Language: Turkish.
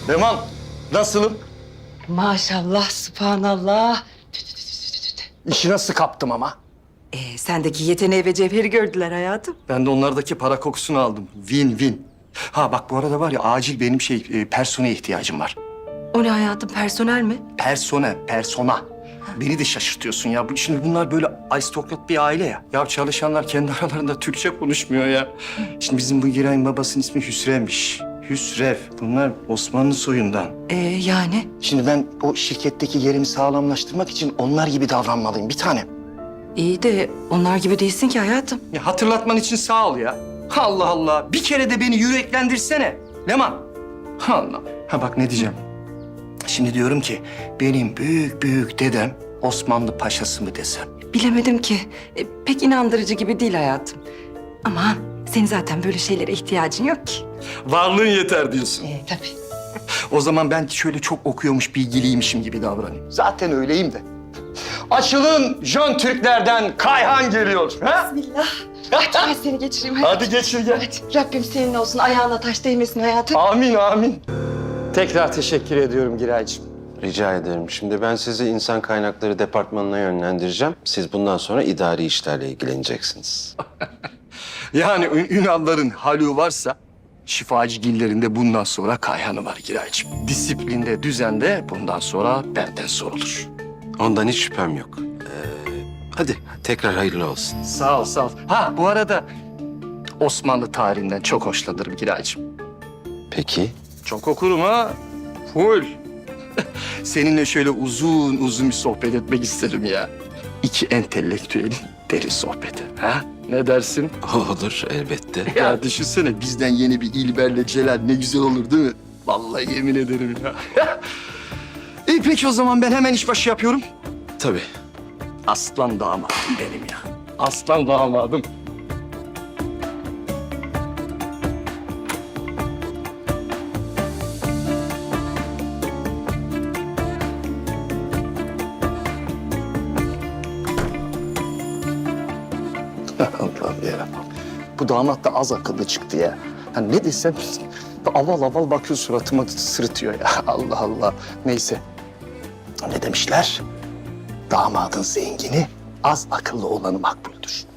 Leman, nasılım? Maşallah, subhanallah. İşi nasıl kaptım ama? Sendeki yeteneği ve cevheri gördüler hayatım. Ben de onlardaki para kokusunu aldım. Win. Ha bak bu arada var ya acil benim personeye ihtiyacım var. O ne hayatım, personel mi? Persona. Beni de şaşırtıyorsun ya. Şimdi bunlar böyle aristokrat bir aile ya. Ya çalışanlar kendi aralarında Türkçe konuşmuyor ya. Şimdi bizim bu Giray'ın babasının ismi Hüsrev'miş. Hüsrev. Bunlar Osmanlı soyundan. Yani? Şimdi ben o şirketteki yerimi sağlamlaştırmak için onlar gibi davranmalıyım bir tanem. İyi de onlar gibi değilsin ki hayatım. Ya hatırlatman için sağ ol ya. Allah Allah. Bir kere de beni yüreklendirsene. Leman. Allah. Ha bak ne diyeceğim. Şimdi diyorum ki benim büyük dedem Osmanlı paşası mı desem? Bilemedim ki. Pek inandırıcı gibi değil hayatım. Aman senin zaten böyle şeylere ihtiyacın yok ki. Varlığın yeter diyorsun. Tabii. O zaman ben şöyle çok okuyormuş, bilgiliymişim gibi davranayım. Zaten öyleyim de. Açılın Jön Türklerden Kayhan geliyor. Ha? Bismillah. Hadi ben seni geçireyim hayatım. Hadi geçir gel. Hadi. Rabbim senin olsun. Ayağına taş değmesin hayatım. Amin. Tekrar teşekkür ediyorum Giraycığım. Rica ederim. Şimdi ben sizi insan kaynakları departmanına yönlendireceğim. Siz bundan sonra idari işlerle ilgileneceksiniz. Yani Ünalların halu varsa şifacıgillerin de bundan sonra Kayhan'ı var Giraycığım. Disiplinde, düzende bundan sonra benden sorulur. Ondan hiç şüphem yok. Hadi tekrar hayırlı olsun. Sağ ol. Ha bu arada Osmanlı tarihinden çok hoşlanırım Giraycığım. Peki. Çok okurum ha. Full. Seninle şöyle uzun bir sohbet etmek isterim ya. İki entelektüelin derin sohbeti. Ha? Ne dersin? Olur elbette. Ya düşünsene bizden yeni bir İlber'le Celal ne güzel olur değil mi? Vallahi yemin ederim ya. İyi peki o zaman ben hemen işbaşı yapıyorum. Tabii. Aslan damadım benim ya. Aslan damadım. Allah'ım ya. Bu damat da az akıllı çıktı ya. Ha ne desem aval bakıyor suratıma sırıtıyor ya. Allah Allah. Neyse. Ne demişler? Damadın zengini az akıllı olanı makbuldür.